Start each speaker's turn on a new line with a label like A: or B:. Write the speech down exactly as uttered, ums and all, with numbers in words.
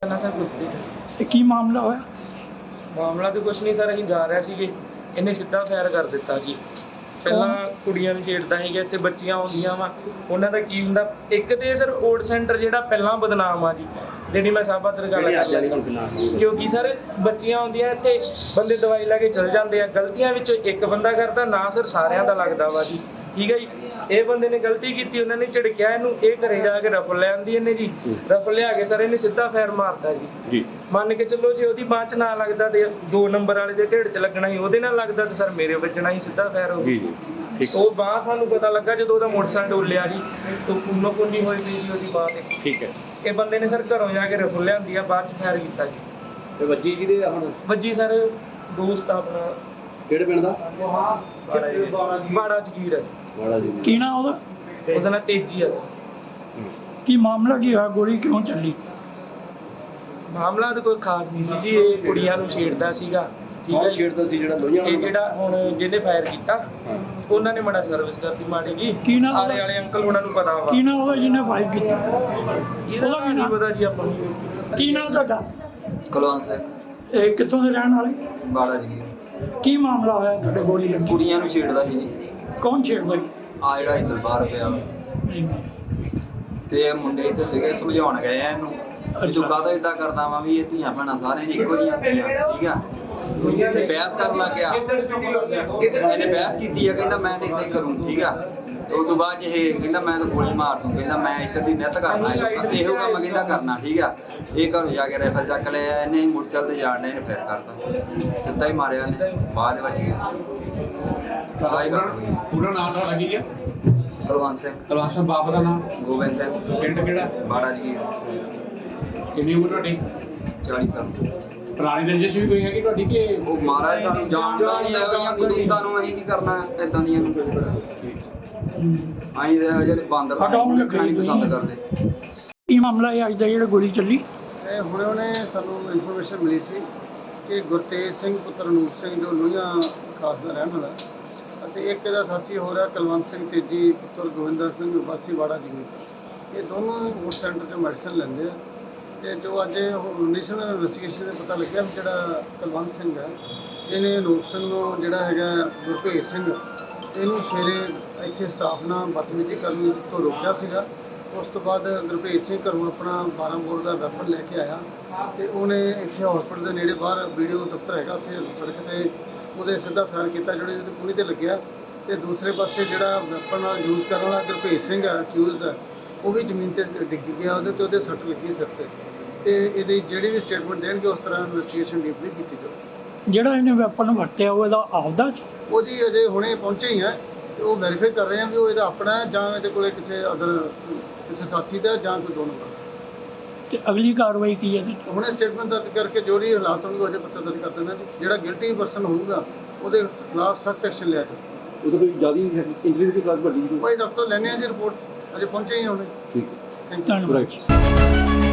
A: ਪਹਿਲਾਂ ਸਰ ਗੁਰਪ੍ਰੀਤ
B: ਤੇ ਕੀ ਮਾਮਲਾ ਹੋਇਆ?
A: ਮਾਮਲਾ ਤਾਂ ਕੁਛ ਨਹੀਂ ਸਰ, ਅਸੀਂ ਜਾ ਰਹੇ ਸੀਗੇ, ਇਹਨੇ ਸਿੱਧਾ ਫਾਇਰ ਕਰ ਦਿੱਤਾ ਜੀ। ਪਹਿਲਾਂ ਕੁੜੀਆਂ ਨੂੰ ਛੇੜਦਾ ਸੀਗਾ, ਇੱਥੇ ਬੱਚੀਆਂ ਆਉਂਦੀਆਂ ਵਾ, ਉਹਨਾਂ ਦਾ ਕੀ ਹੁੰਦਾ, ਇੱਕ ਤੇ ਸਰ ਓਲਡ ਸੈਂਟਰ ਜਿਹੜਾ ਪਹਿਲਾਂ ਬਦਨਾਮ ਆ ਜੀ, ਜਿਹੜੀ ਮੈਂ ਸਾਬਾ ਦਰ ਗੱਲ ਕਰ ਰਿਹਾ, ਕਿਉਂਕਿ ਸਰ ਬੱਚੀਆਂ ਆਉਂਦੀਆਂ ਇੱਥੇ, ਬੰਦੇ ਦਵਾਈ ਲੈ ਕੇ ਚਲ ਜਾਂਦੇ ਆ, ਗਲਤੀਆਂ ਵਿੱਚੋਂ ਇੱਕ ਬੰਦਾ ਕਰਦਾ ਨਾ ਸਰ, ਸਾਰਿਆਂ ਦਾ ਲੱਗਦਾ ਵਾ ਜੀ। ਠੀਕ ਹੈ ਜੀ, ਇਹ ਬੰਦੇ ਨੇ ਗਲਤੀ ਕੀਤੀ, ਉਹਨਾਂ ਨੇ ਝਿੜਕਿਆ ਇਹਨੂੰ, ਇਹ ਘਰੇ ਜਾ ਕੇ ਰਫਲ ਲੈ ਆਂਦੀ ਇਹਨੇ ਜੀ, ਰਫਲ ਲਿਆ ਕੇ ਸਰ ਇਹਨੇ ਸਿੱਧਾ ਫਾਇਰ ਮਾਰਤਾ ਜੀ। ਮੰਨ ਕੇ ਚੱਲੋ ਜੇ ਉਹਦੀ ਬਾਂਹ 'ਚ ਨਾ ਲੱਗਦਾ ਤੇ ਦੋ ਨੰਬਰ ਵਾਲੇ ਦੇ ਢਿੱਡ 'ਚ ਲੱਗਣਾ ਸੀ, ਉਹਦੇ ਨਾਲ ਲੱਗਦਾ ਤੇ ਸਰ ਮੇਰੇ ਵੱਜਣਾ ਸੀ, ਸਿੱਧਾ ਫਾਇਰ ਹੋ ਗਿਆ। ਉਹ ਬਾਂਹ ਸਾਨੂੰ ਪਤਾ ਲੱਗਾ ਜਦੋਂ ਉਹਦਾ ਮੋਟਰਸਾਈਕਲ ਡੋਲਿਆ ਜੀ, ਤੇ ਖੂਨੋ ਖੂਨੀ ਹੋਈ ਪਈ ਜੀ ਉਹਦੀ ਬਾਂਹ ਤੇ। ਠੀਕ ਹੈ, ਇਹ ਬੰਦੇ ਨੇ ਸਰ ਘਰੋਂ ਜਾ ਕੇ ਰਫਲ ਲਿਆਂਦੀ ਆ, ਬਾਅਦ 'ਚ ਫਾਇਰ ਕੀਤਾ ਜੀ।
C: ਤੇ ਵੱਜੀ ਜਿਹਦੇ ਹੁਣ
A: ਵੱਜੀ ਸਰ ਦੋਸਤ ਆਪਣਾ,
C: ਕਿਹੜੇ ਪਿੰਡ ਦਾ?
A: ਬਾੜਾ ਜਗੀਰ ਹੈ।
C: ਵਾੜਾ ਜੀ।
B: ਕੀ ਨਾਂ ਉਹਦਾ?
A: ਉਹਦਾ ਨਾਂ ਤੇਜੀ ਹੈ।
B: ਕੀ ਮਾਮਲਾ ਕੀ ਹੋਇਆ? ਗੋਲੀ ਕਿਉਂ ਚੱਲੀ?
A: ਮਾਮਲਾ ਤਾਂ ਕੋਈ ਖਾਸ ਨਹੀਂ ਸੀ ਜੀ, ਇਹ ਕੁੜੀਆਂ ਨੂੰ ਛੇੜਦਾ ਸੀਗਾ। ਠੀਕ ਹੈ,
C: ਛੇੜਦਾ ਸੀ ਜਿਹੜਾ ਲੋਹੀਆਂ
A: ਇਹ ਜਿਹੜਾ ਹੁਣ ਜਿਹਨੇ ਫਾਇਰ ਕੀਤਾ, ਉਹਨਾਂ ਨੇ ਮਾੜਾ ਸਰਵਿਸ ਕਰਤੀ ਮਾੜੀ ਜੀ।
B: ਕੀ ਨਾਂ
A: ਆਲੇ ਵਾਲੇ ਅੰਕਲ ਉਹਨਾਂ ਨੂੰ ਪਤਾ ਵਾ।
B: ਕੀ ਨਾਂ ਉਹਦਾ ਜਿਹਨੇ ਫਾਇਰ ਕੀਤਾ?
A: ਇਹਦਾ ਕੀ ਨਹੀਂ ਪਤਾ ਜੀ ਆਪਾਂ ਨੂੰ।
B: ਕੀ ਨਾਂ ਤੁਹਾਡਾ?
D: ਕੁਲਵੰਤ ਸਿੰਘ,
B: ਇਹ ਕਿੱਥੋਂ ਦੇ ਰਹਿਣ ਵਾਲੇ?
D: ਬਾੜਾ ਜੀ।
B: ਕੀ ਮਾਮਲਾ ਹੋਇਆ ਤੁਹਾਡੇ ਗੋਲੀ ਲੱਗੀ?
D: ਕੁੜੀਆਂ ਨੂੰ ਛੇੜਦਾ ਸੀ ਜੀ,
B: ਕੌਣ ਛੇੜਦਾ ਸੀ?
D: ਆ ਜਿਹੜਾ ਇੱਧਰ ਬਾਹਰ ਪਿਆ ਵਾ। ਤੇ ਇਹ ਮੁੰਡੇ ਇੱਥੇ ਸੀਗੇ, ਸਮਝਾਉਣ ਗਏ ਆ ਇਹਨੂੰ ਵੀ ਤੂੰ ਕਾਹਤੋਂ ਏਦਾਂ ਕਰਦਾ ਵਾ, ਵੀ ਇਹ ਧੀਆਂ ਭੈਣਾਂ ਸਾਰਿਆਂ ਦੀ ਇੱਕੋ ਜਿਹੀਆਂ ਹੁੰਦੀਆਂ। ਠੀਕ ਆ, ਤੇ ਬਹਿਸ ਕਰਨ ਲੱਗ ਗਿਆ, ਇਹਨੇ ਬਹਿਸ ਕੀਤੀ ਆ, ਕਹਿੰਦਾ ਮੈਂ ਤਾਂ ਇੱਦਾਂ ਹੀ ਕਰੂੰ। ਠੀਕ ਆ, ਤੇ ਉਸ ਤੋਂ ਬਾਅਦ 'ਚ ਇਹ ਕਹਿੰਦਾ ਮੈਂ ਤਾਂ ਗੋਲੀ ਮਾਰ ਦੂੰ, ਕਹਿੰਦਾ ਮੈਂ ਇੱਧਰ ਦੀ ਨਿੱਤ ਕਰਨਾ, ਇਹੋ ਕੰਮ ਕਹਿੰਦਾ ਕਰਨਾ। ਠੀਕ ਆ, ਇਹ ਘਰੋਂ ਜਾ ਕੇ ਰਾਈਫਲ ਚੱਕ ਲਿਆ, ਇਹਨੇ ਮੋਟਰਸਾਈਕਲ ਤੇ ਜਾਣ ਨੇ ਇਹਨੇ ਫੇਰ ਕਰਤਾ, ਸਿੱਧਾ ਹੀ ਮਾਰਿਆ ਇਹਨੇ, ਬਾਅਦ ਵਿੱਚ ਗਿਆ।
C: ਪੂਰਾ ਨਾਮ ਤੁਹਾਡਾ ਕੀ ਹੈ?
D: ਕੁਲਵੰਤ ਸਿੰਘ।
C: ਕੁਲਵੰਤ ਸਿੰਘ। ਬਾਪ ਦਾ ਨਾਮ?
D: ਗੋਬਿੰਦ ਸਿੰਘ।
C: ਪਿੰਡ ਕਿਹੜਾ?
D: ਬਾੜਾ ਜੀ।
C: ਕਿੰਨੀ ਉਮਰ ਤੁਹਾਡੀ?
D: ਚਾਲੀ ਸਾਲ।
C: ਪੁਰਾਣੀ ਰੰਜਿਸ਼ ਵੀ ਕੋਈ ਹੈਗੀ ਤੁਹਾਡੀ ਕਿ?
D: ਉਹ ਮਹਾਰਾਜ ਸਾਨੂੰ ਜਾਣਦਾ ਨਹੀਂ, ਇਹੋ ਜਿਹੀਆਂ ਕਦੂਤਾਂ ਨੂੰ ਅਸੀਂ ਕੀ ਕਰਨਾ, ਇਦਾਂ ਦੀਆਂ ਨੂੰ ਅਸੀਂ ਤਾਂ ਜਿਹੜੇ ਬਾਂਦਰ ਰੱਖਣਾ ਨਹੀਂ ਪਸੰਦ ਕਰਦੇ।
B: ਕੀ ਮਾਮਲਾ ਹੈ ਅੱਜ ਦਾ ਜਿਹੜਾ ਗੋਲੀ ਚੱਲੀ?
E: ਇਹ ਹੁਣੇ ਹੁਣੇ ਸਾਨੂੰ ਇਨਫੋਰਮੇਸ਼ਨ ਮਿਲੀ ਸੀ ਕਿ ਗੁਰਤੇਜ ਸਿੰਘ ਪੁੱਤਰ ਅਨੂਪ ਸਿੰਘ ਜੋ ਲੋਹੀਆਂ ਖਾਸ ਦਾ ਰਹਿਣ ਵਾਲਾ, ਅਤੇ ਇੱਕ ਇਹਦਾ ਸਾਥੀ ਹੋ ਰਿਹਾ ਕੁਲਵੰਤ ਸਿੰਘ ਤੇਜੀ ਪੁੱਤਰ ਗੋਵਿੰਦਰ ਸਿੰਘ ਵਾਸੀ ਵਾੜਾ ਜੀ। ਇਹ ਦੋਨੋਂ ਉਸ ਸੈਂਟਰ 'ਚ ਮੈਡੀਸਨ ਲੈਂਦੇ ਆ, ਤੇ ਜੋ ਅੱਜ ਨੈਸ਼ਨਲ ਇਨਵੈਸਟੀਗੇਸ਼ਨ ਦੇ ਪਤਾ ਲੱਗਿਆ ਵੀ ਜਿਹੜਾ ਕੁਲਵੰਤ ਸਿੰਘ ਹੈ, ਇਹਨੇ ਅਨੂਪ ਸਿੰਘ ਨੂੰ ਜਿਹੜਾ ਹੈਗਾ ਗੁਰਭੇਜ ਸਿੰਘ, ਇਹਨੂੰ ਸਵੇਰੇ ਇੱਥੇ ਸਟਾਫ ਨਾਲ ਬਦਤਮੀਜ਼ੀ ਕਰਨ ਤੋਂ ਰੋਕਿਆ ਸੀਗਾ। ਉਸ ਤੋਂ ਬਾਅਦ ਗੁਰਭੇਜ ਸਿੰਘ ਘਰੋਂ ਆਪਣਾ ਬਾਰਾਂ ਬੋਰ ਦਾ ਵੈਪਨ ਲੈ ਕੇ ਆਇਆ, ਤੇ ਉਹਨੇ ਇੱਥੇ ਹਸਪੀਟਲ ਦੇ ਨੇੜੇ ਬਾਹਰ ਵੀਡੀਓ ਦਫ਼ਤਰ ਹੈਗਾ, ਉੱਥੇ ਸੜਕ 'ਤੇ ਉਹਦੇ ਸਿੱਧਾ ਫਾਇਰ ਕੀਤਾ, ਜਿਹੜੇ ਉਹਦੇ ਪੂਰੀ 'ਤੇ ਲੱਗਿਆ। ਤੇ ਦੂਸਰੇ ਪਾਸੇ ਜਿਹੜਾ ਵੈਪਨ ਯੂਜ਼ ਕਰਨ ਵਾਲਾ ਗੁਰਭੇਜ ਸਿੰਘ ਹੈ ਅਕਿਊਜ਼ਡ ਹੈ, ਉਹ ਵੀ ਜ਼ਮੀਨ 'ਤੇ ਡਿੱਗ ਗਿਆ, ਉਹਦੇ 'ਤੇ ਉਹਦੇ ਸੱਟ ਲੱਗੀ ਸਿਰ 'ਤੇ। ਤੇ ਇਹਦੀ ਜਿਹੜੀ ਵੀ ਸਟੇਟਮੈਂਟ ਦੇਣਗੇ ਉਸ ਤਰ੍ਹਾਂ ਇਨਵੈਸਟੀਗੇਸ਼ਨ ਡੀਪਲੀ ਕੀਤੀ ਜਾਵੇ।
B: ਜਿਹੜਾ ਇਹਨੇ ਵੈਪਨ ਵਰਤਿਆ ਉਹ ਇਹਦਾ ਆਪਦਾ ਸੀ?
E: ਉਹ ਜੀ ਅਜੇ ਹੁਣੇ ਪਹੁੰਚੇ ਹੀ ਹੈ, ਤੇ ਉਹ ਵੈਰੀਫਾਈ ਕਰ ਰਹੇ ਆ ਵੀ ਉਹ ਇਹਦਾ ਆਪਣਾ ਹੈ ਜਾਂ ਇਹਦੇ ਕੋਲੇ ਕਿਸੇ ਅਦਰ ਕਿਸੇ ਸਾਥੀ ਦਾ ਜਾਂ ਕੋਈ ਦੋਨੋਂ ਦਾ।
B: ਤੇ ਅਗਲੀ ਕਾਰਵਾਈ ਕੀ ਹੈ?
E: ਹੁਣੇ ਸਟੇਟਮੈਂਟ ਦਰਜ ਕਰਕੇ ਜੋ ਵੀ ਹਾਲਾਤ ਹੋਣਗੇ ਉਹਦੇ ਪੱਤਰ ਦਰਜ ਕਰ ਦੇਣਾ ਜੀ। ਜਿਹੜਾ ਗਿਲਟੀ ਪਰਸਨ ਹੋਊਗਾ ਉਹਦੇ ਖਿਲਾਫ ਸਖਤ ਐਕਸ਼ਨ ਲਿਆ ਜਾਵੇ।
C: ਉਹਦੇ ਕੋਈ ਜ਼ਿਆਦਾ ਇੰਜਰੀ ਦੀ ਕਲਾਸ ਵੱਡੀ?
E: ਭਾਈ ਡਾਕਟਰ ਲੈਣੇ ਆ ਜੀ ਰਿਪੋਰਟ, ਅਜੇ ਪਹੁੰਚੇ ਹੀ ਹੁਣੇ।
C: ਠੀਕ ਹੈ,
E: ਥੈਂਕ ਯੂ।
B: ਧੰਨਵਾਦ।